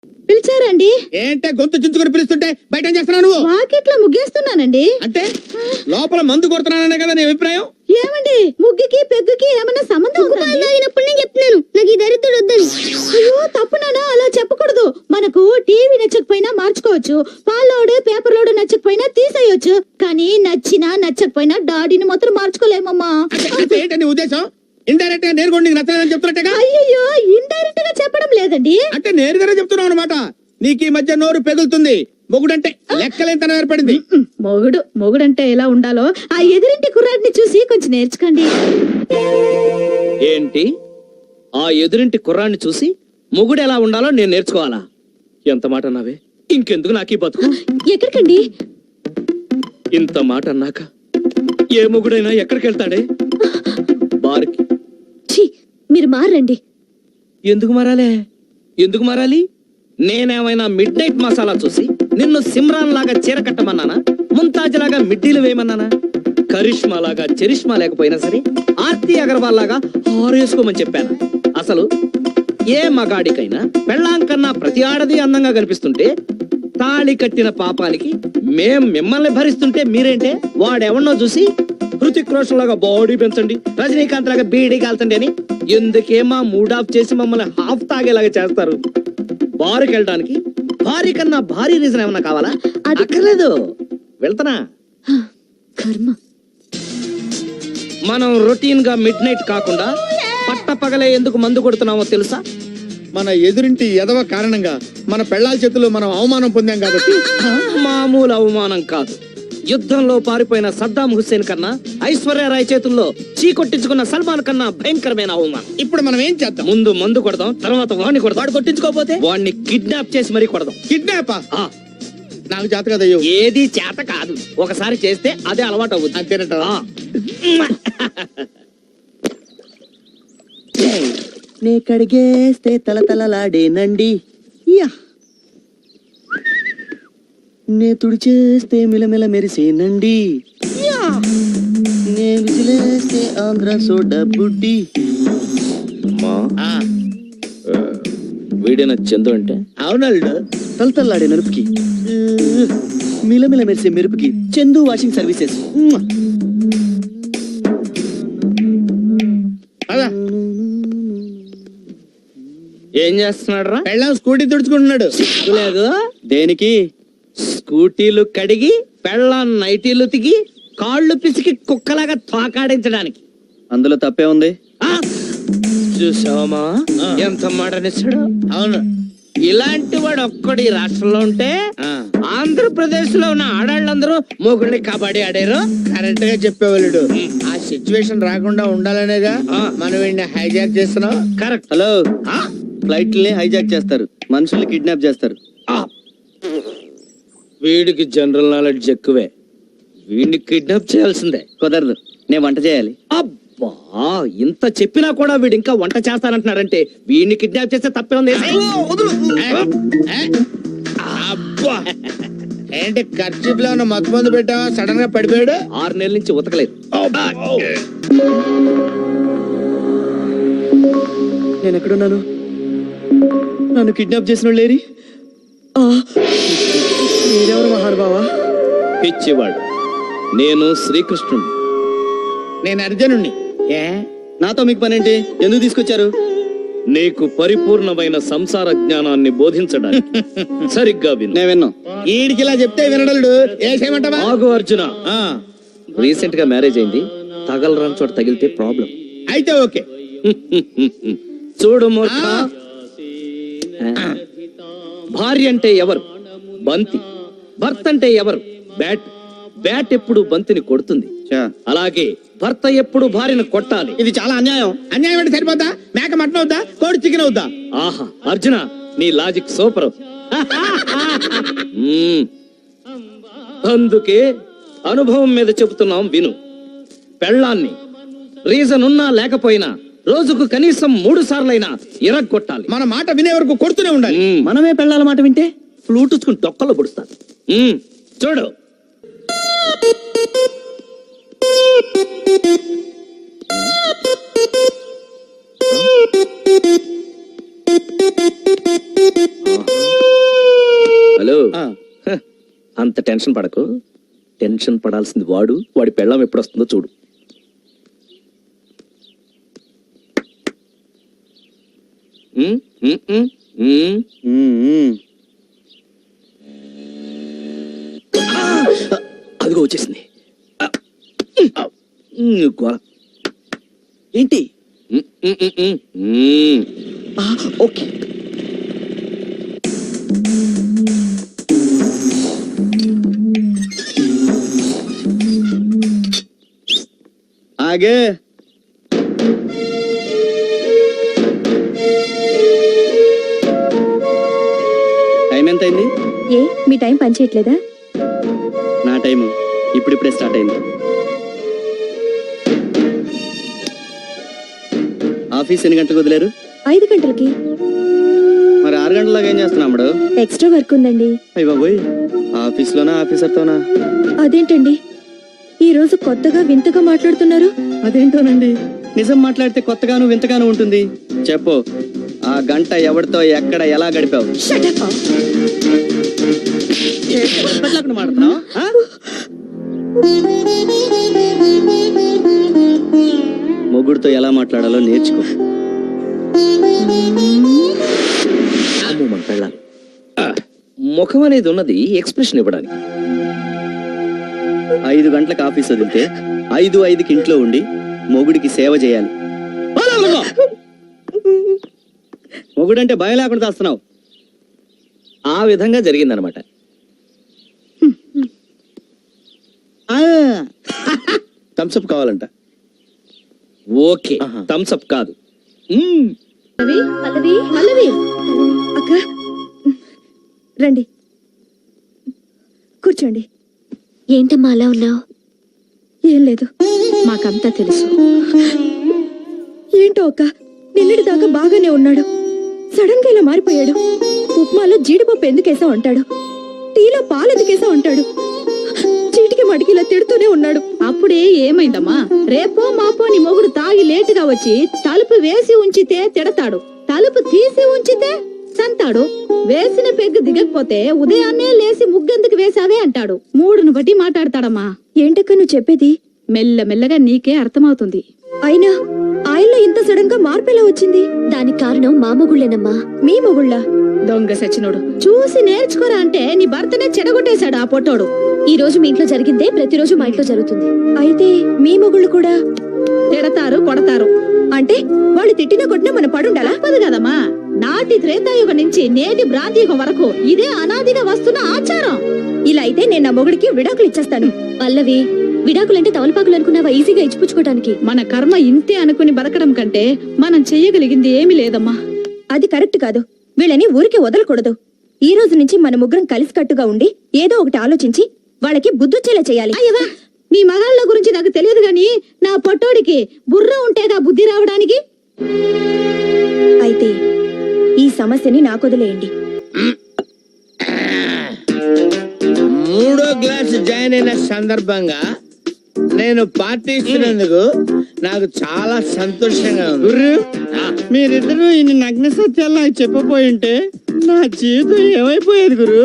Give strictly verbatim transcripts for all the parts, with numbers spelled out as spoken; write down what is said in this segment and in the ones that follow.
పిలిచారండి? ఏంటే గొంతు చించుకొని పిలుస్తుంటే బయట ఏం చేస్తున్నావు నువ్వు? వాకిట్లో ముగ్గేస్తున్నానండి. అంటే లోపల మందు కొడుతున్నాననే కదా నీ అభిప్రాయం? ఏమండి, ముగ్గుకి పెగ్గుకి ఏమైనా సంబంధం ఉందా? తాగినప్పుడు నేను చెప్తున్నాను నాకు ఈ దరిద్రుడు వద్దని. అయ్యో తప్పునానా, అలా చెప్పకూడదు. మనకు టీవీ నచ్చకపోయినా మార్చుకోవచ్చు, పాలోడు పేపర్ లోడు నచ్చకపోయినా తీసేయొచ్చు, కానీ నచ్చినా నచ్చకపోయినా డాడీని మాత్రం మార్చుకోలేమమ్మా. అంటే- అంటే ఏంటి నీ ఉద్దేశం? ఇండైరెక్ట్ గా నేరుగా నీకు నచ్చలేదని చెప్తున్నట్టుగా? అయ్యో ఇండైరెక్ట్ గా చెప్పడం లేదండి. అంటే నేరుగానే చెప్తున్నావు అనమాట. నీకు ఈ మధ్య నోరు పెగులుతుంది. మొగుడంటే లెక్కలేంతనం ఏర్పడింది. మొగుడు మొగుడంటే ఎలా ఉండాలో ఆ ఎదురింటి కుర్రాడిని చూసి కొంచెం నేర్చుకోండి. ఏంటి? ఆ ఎదురింటి కుర్రాన్ని చూసి మొగుడు ఎలా ఉండాలో నేను నేర్చుకోవాలా? ఎంత మాట అన్నావే? ఇంకెందుకు నాకు ఈ బతుకు? ఎక్కడికండి? ఇంత మాట అన్నాక ఏ మొగుడైనా ఎక్కడికి వెళ్తాడే? బార్కి. ఛీ, మీరు మారండి. ఎందుకు మారాలే? ఎందుకు మారాలి? నేనేమైనా మిడ్ నైట్ మసాలా చూసి నిన్ను సిమ్రాన్ లాగా చీర కట్టమన్నానా? ముంతాజ్ లాగా మిడ్డీలు వేయమన్నానా? కరిష్మా లాగా చరిష్మా లేకపోయినా సరే ఆర్తి అగర్వాల్ లాగా హారేసుకోమని చెప్పాను. అసలు ఏ మగాడికైనా పెళ్ళాం కన్నా ప్రతి ఆడది అందంగా కనిపిస్తుంటే తాళి కట్టిన పాపానికి మేం మిమ్మల్ని భరిస్తుంటే మీరేంటే వాడెవన్నో చూసి హృతిక్ రోషన్ లాగా బాడీ పెంచండి, రజనీకాంత్ లాగా బీడీ కాల్చండి అని ఎందుకే మా మూడ్ ఆఫ్ చేసి మమ్మల్ని హాఫ్ తాగేలాగా చేస్తారు? బారుకి వెళ్ళడానికి భారీ కన్నా భారీ రీజన్ ఏమన్నా కావాలా? అది- అక్కర్లేదు, వెళ్తానా? కర్మ. మనం రొటీన్ గా మిడ్ నైట్ కాకుండా పట్ట పగలే ఎందుకు మందు కొడుతున్నామో తెలుసా? మన ఎదురింటి ఎదవ కారణంగా మన పెళ్ళాల చేతుల్లో మనం అవమానం పొందాం కాబట్టి. మామూలు అవమానం కాదు. యుద్ధంలో పారిపోయిన సద్దాం హుస్సేన్ కన్నా ఐశ్వర్యరాయ్ చేతుల్లో చీకొట్టించుకున్న సల్మాన్ కన్నా భయంకరమైన అవమానం. ఇప్పుడు మనం ఏం చేద్దాం? ముందు మందు కొడదాం, తర్వాత వాడిని కొడదాం. వాడు కొట్టించుకోపోతే వాడిని కిడ్నాప్ చేసి మరీ కొడదాం. కిడ్నాపా? ఆ, నాకు చేత కదయ్యో. ఏది చేత కాదు, ఒకసారి చేస్తే అదే అలవాటు అవుతుంది. అంతేనట. నే కడిగేస్తే తలతలలాడేనండి, యా నే తుడిచేస్తే మిలమిల మెరిసేనండి, యా నే విసిలేస్తే ఆంధ్ర సోడా బుడ్డి. అమ్మా, ఆ, వీడిన చందు అంటే అవునల్డు. తలతల్లాడే నలుపుకి ఉ, మిలమిల మెరిసే మెరుపుకి చందు వాషింగ్ సర్వీసెస్. మ్మ్. అదా ఏం చేస్తున్నాడు రా? పెళ్ళాం స్కూటీ తుడుచుకుంటున్నాడు. లేదు, దేనికి? స్కూటీలు కడిగి పెళ్ళాం నైటీలు తిగి కాళ్ళు పిసికి కుక్కలాగా తోకాడించడానికి. అందులో తప్పే ఉంది. ఆ, చూసావమ్మా ఎంత మాట నిచ్చాడు? అవును. ఇలాంటి వాడు ఒక్కడు ఈ రాష్ట్రంలో ఉంటే ఆ, ఆంధ్రప్రదేశ్ లో ఉన్న ఆడాళ్ళందరూ మొగుడిని కబడ్డీ ఆడారు. కరెక్ట్ గా చెప్పేవాళ్ళు. ఆ సిచ్యువేషన్ రాకుండా ఉండాలనేగా ఆ. మనం వీడిని హైజాక్ చేస్తున్నాం. కరెక్ట్. హలో, ఆ, ఫ్లైట్లని హైజాక్ చేస్తారు, మనుషుల్ని కిడ్నాప్ చేస్తారు. ఆ. వీడికి జనరల్ నాలెడ్జ్ ఎక్కువే. వీడిని కిడ్నాప్ చేయాల్సిందే. కుదరదు, నేను వంట చేయాలి. అబ్బా, ఇంత చెప్పినా కూడా వీడు ఇంకా వంట చేస్తానంటున్నాడంటే వీడిని కిడ్నాప్ చేస్తే తప్పే ఉంది. ఏ? అబ్బా, ఏంటి ఖర్చు లో ఉన్న మత్తు మందు పెట్టావా? సడన్ గా పడిపోయాడు. ఆరు నెలల నుంచి ఉతకలేదు. నేను ఎక్కడున్నాను? నన్ను కిడ్నాప్ చేసిన వాళ్ళు లేరి? ఆ, మీరెవరు మహానుభావా? పిచ్చివాడు, నేను శ్రీకృష్ణుడు. నేను అర్జునుణ్ణి. ఏ నాతో మీకు పనేంటి? ఎందుకు తీసుకొచ్చారు? నీకు పరిపూర్ణమైన సంసార జ్ఞానాన్ని బోధించడానికి. సరిగ్గా విను. నేను విన్నా. ఈడికి ఇలా చెప్తే వినడలుడు. ఏ చేయమంటావా? ఆగు అర్జున. ఆ, రీసెంట్ గా మ్యారేజ్ అయింది. తగలరాని చోట తగిలితే ప్రాబ్లం. అయితే ఓకే. చూడు మూర్ఖ, భార్య అంటే ఎవరు? బంతి. భర్త అంటే ఎవరు? బ్యాట్. బ్యాట్ ఎప్పుడు బంతిని కొడుతుంది. చా. అలాగే భర్త ఎప్పుడు భార్యను కొట్టాలి. ఇది చాలా అన్యాయం. అన్యాయం అంటే సరిపోతా? మేక మటన్ అవుతా? కోడి చికెన్ అవుతా? ఆహా అర్జున, నీ లాజిక్ సూపర్. మ్మ్. అందుకే అనుభవం మీద చెబుతున్నాం విను. పెళ్ళాన్ని రీజన్ ఉన్నా లేకపోయినా రోజుకు కనీసం మూడు సార్లైనా ఇరగొట్టాలి. మన మాట వినే వరకు కొడుతూనే ఉండాలి. మ్మ్. మనమే పెళ్ళాల మాట వింటే ఫ్లూట్ ఉచ్చుకుని డొక్కలో పొడుస్తాను. మ్మ్. చూడు. Thank you. హలో ఆ, హ, అంత టెన్షన్ పడకు. టెన్షన్ పడాల్సింది వాడు. వాడి పెళ్ళం ఎప్పుడు వస్తుందో చూడు. ఉమ్, ఉమ్, ఉమ్, ఉమ్. మ్మ్. అదిగో వచ్చేసింది. ఉమ్, గోల. ఏంటి ఉమ్, ఉమ్, ఉమ్, ఉమ్, ఉమ్. ఆ, ఓకే ఆగే టైం ఎంత అయింది? ఏ మీ టైం పనిచేయట్లేదా? నా టైము ఇప్పుడిప్పుడే స్టార్ట్ అయింది. ఆఫీస్ ఎన్ని గంటలకు వదిలేరు? ఐదు గంటలకి. మరి ఆరు గంటలాగా ఏం చేస్తున్నాడు? ఎక్స్ట్రా వర్క్ ఉందండి. అయ్య బాబోయ్, ఆఫీస్లోనా ఆఫీసర్తోనా? అదేంటండి ఈ రోజు కొత్తగా వింతగా మాట్లాడుతున్నారు? అదేంటోనండి, నిజం మాట్లాడితే కొత్తగాను వింతగాను ఉంటుంది. చెప్పు, ఆ గంట ఎవరితో ఎక్కడ ఎలా గడిపావు? Shut up. మాట్లాడుతున్నావు మొగుడుతో ఎలా మాట్లాడాలో నేర్చుకో. అమ్మో, మన పెళ్ళాం. ఆ, ముఖం అనేది ఉన్నది ఎక్స్ప్రెషన్ ఇవ్వడానికి. ఐదు గంటలకు ఆఫీస్ వదిలితే ఐదు ఐదుకి ఇంట్లో ఉండి మొగుడికి సేవ చేయాలి. మొగుడంటే భయం లేకుండా చేస్తున్నావు. ఆ విధంగా జరిగిందనమాట. థమ్స్అప్ కావాలంట. ఓకే, ఆహా. థమ్స్ అప్ కాదు. మ్మ్. పల్లవి పల్లవి అక్క రండి కూర్చోండి. ఏంటమ్మా అలా ఉన్నావు? ఏం లేదు, మాకంతా తెలుసు. ఏంటో అక్క, నిన్నటి దాకా బాగానే ఉన్నాడు, సడన్ గా ఇలా మారిపోయాడు. ఉప్మాలో జీడిపప్పు ఎందుకేసా ఉంటాడు, టీలో పాలు ఎందుకేసా ఉంటాడు, చీటికి మడికి ఇలా తిడుతూనే ఉన్నాడు. అప్పుడే ఏమైందమ్మా? రేపో మాపో నీ మొగుడు తాగి లేటుగా వచ్చి తలుపు వేసి ఉంచితే తిడతాడు, తలుపు తీసి ఉంచితే సంతాడు. వేసిన పెగ్గు దిగకపోతే ఉదయాన్నే లేసి ముగ్గెందుకు వేసావే అంటాడు. మూడును బట్టి మాట్లాడతాడమ్మా. ఏంటక్క నువ్వు చెప్పేది? మెల్ల మెల్లగా నీకే అర్థమవుతుంది. అయినా ఆయనలో ఇంత సడన్ గా మార్పు ఎలా వచ్చింది? దానికి కారణం మా మొగుళ్ళేనమ్మా. మీ మొగుళ్ళ దొంగ సచ్చినోడు. చూసి నేర్చుకోరా అంటే నీ భర్తనే చెడగొట్టేశాడు ఆ పొట్టోడు. ఈ రోజు మీ ఇంట్లో జరిగిందే ప్రతిరోజు మా ఇంట్లో జరుగుతుంది. అయితే మీ మొగుళ్ళు కూడా తిడతారు, కొడతారు. అంటే వాళ్ళు తిట్టిన కొట్టినా మన పడుండాలా? తప్పదు కదమ్మా. నాటి త్రేతాయుగం నుంచి నేటి భ్రాంతియుగం వరకు ఇదే అనాదిగా వస్తున్న ఆచారం. ఇలా అయితే నేను నా మొగుడికి విడాకులు ఇచ్చేస్తాను. పల్లవి, విడాకులంటే తవలపాకులు అనుకున్నావా ఈజీగా ఇచ్చిపుచ్చుకోవడానికి? మన కర్మ ఇంతే అనుకుని బతకడం కంటే మనం చెయ్యగలిగింది ఏమీ లేదమ్మా. అది కరెక్ట్ కాదు. వీళ్ళని ఊరికి వదలకూడదు. ఈ రోజు నుంచి మన ముగ్గురం కలిసికట్టుగా ఉండి ఏదో ఒకటి ఆలోచించి వాళ్ళకి బుద్ధొచ్చేలా చేయాలి. అయ్యవా, మీ మగాళ్ళ గురించి నాకు తెలియదు గాని నా పొట్టోడికి బుర్ర ఉంటేగా బుద్ధి రావడానికి. అయితే ఈ సమస్యని నాకొదిలేయండి. మూడో క్లాస్ జాయిన్ అయిన సందర్భంగా నేను పార్టీ ఇస్తున్నందుకు నాకు చాలా సంతోషంగా ఉంది. గుర్రు, మీరిద్దరూ ఇన్ని నగ్న సత్యాలు నాకు చెప్పబోయి ఉంటే నా జీవితం ఏమైపోయేది గురు?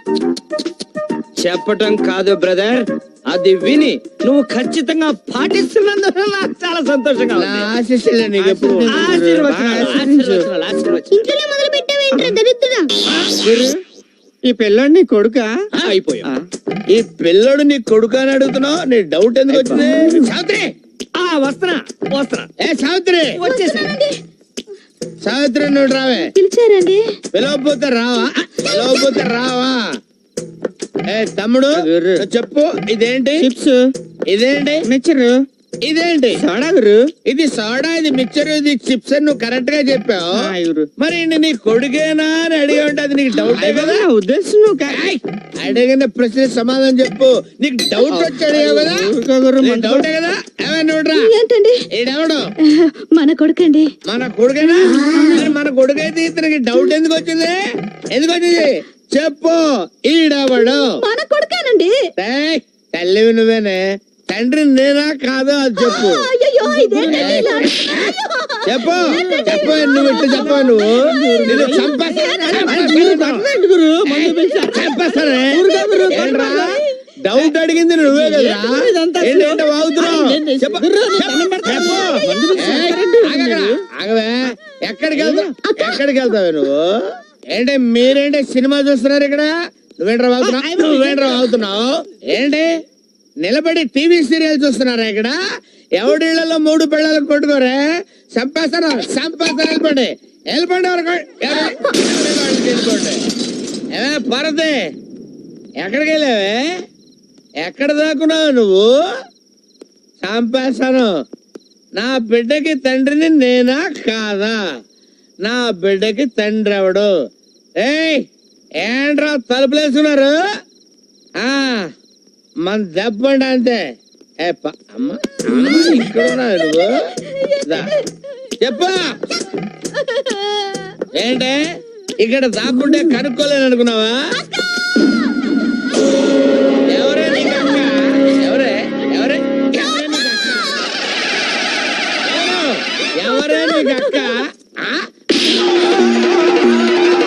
చెప్పటం కాదు బ్రదర్, అది విని నువ్వు ఖచ్చితంగా పాటిస్తున్నందుకు నాకు చాలా సంతోషంగా నా ఉంది. ఆశీస్సులే నీకు ఎప్పుడు ఆశీర్వచనాలు, ఆశీర్వచనాలు, ఆశీర్వచనాలు. ఇంట్లోనే మొదలు పెట్టావేంట్రా దరిద్రుడా? గురు, ఈ పిల్లోడు నీ కొడుకా? ఆ, అయిపోయా. ఆ, ఈ పిల్లడు నీ కొడుకు అని అడుగుతున్నావు, నీ డౌట్ ఎందుకు వచ్చింది? సావిత్రి, ఆ, వస్తున్నా వస్తున్నా ఏ సావిత్రి, వచ్చేసా. సావిత్రి నువ్వు రావే. పిలిచారండి? పిలవకపోతే రావా? పిలవకపోతే రావా? ఏ తమ్ముడు, గుర్రు. నువ్వు చెప్పు, ఇదేంటి? చిప్స్, ఇదేంటి? మిక్చరు, ఇదేంటి? సోడా గురు. ఇది సోడా, ఇది మిక్చర్, ఇది చిప్స్ అని నువ్వు కరెక్ట్ గా చెప్పావు. ఆ, గురు. మరి ఈయన నీ కొడుకేనా అని అడిగి ఉంటే అది నీకు డౌట్ కదా? నా ఉద్దేశం నువ్వు కా- ఏయ్, అడిగిన ప్రశ్న సమాధానం చెప్పు. నీకు డౌట్ వచ్చి అడిగావు కదా? ఊరుకో గురు, నీకు మంట- డౌటే కదా? ఏమై నువ్వురా, ఏంటండి? ఈడెవడు? మన కొడుకండి. మన కొడుకేనా? మరి మన కొడుకైతే ఇతనికి డౌట్ ఎందుకు వచ్చింది? ఎందుకు వచ్చింది చెప్పు. ఈడెవడు? మన కొడుకేనండి. ఏయ్, తల్లివి నువ్వేనే, తండ్రి నేనా కాదో అది చెప్పు. అయ్యో అయ్యో ఇదేంటండి ఇలా? చెప్పు చెప్పు నువ్వు ఇట్లా చెప్పు నువ్వు నిన్ను చంపేస్తాను చంపేస్తానే ఏంట్రా డౌట్ అడిగింది నువ్వే కదరా ఏంటంటే వాగుతున్నావు చెప్పు చెప్పు ఏయ్, ఆగక్కడ, ఆగవే ఎక్కడికి వెళ్తావు ఎక్కడికి వెళ్తావే నువ్వు ఏంటి మీరేంటి సినిమా చూస్తున్నారు ఇక్కడ నువ్వేంట్రా వాగుతున్నావు నువ్వేంట్రా వాగుతున్నావు ఏంటి నిలబడి టీవీ సీరియల్ చూస్తున్నారా ఇక్కడ ఎవడిళ్లలో మూడు పిల్లలు కొట్టుకోరే చంపేస్తాను చంపేస్తాను వెళ్ళిపోండి వెళ్ళిపోండి ఎవరికి వెళ్ళిపోండి ఏమే పరదే ఎక్కడికి వెళ్ళావే ఎక్కడ దాక్కున్నావు నువ్వు చంపేస్తాను నా బిడ్డకి తండ్రిని నేనా కాదా నా బిడ్డకి తండ్రి ఎవడు ఏయ్ ఏంట్రా తలుపులేసుకున్నారు ఆ మన దెబ్బండి అంతే ఏ ప- అమ్మ అమ్మ, ఇక్కడ ఉన్నావు నువ్వు దా. చెప్పు ఏంటే ఇక్కడ దాక్కుంటే కనుక్కోలేను అనుకున్నావా ఎవరే నీకు అక్క ఎవరే ఎవరే ఎవరే నీకు అక్క ఎవరు? ఎవరే నీకు అక్క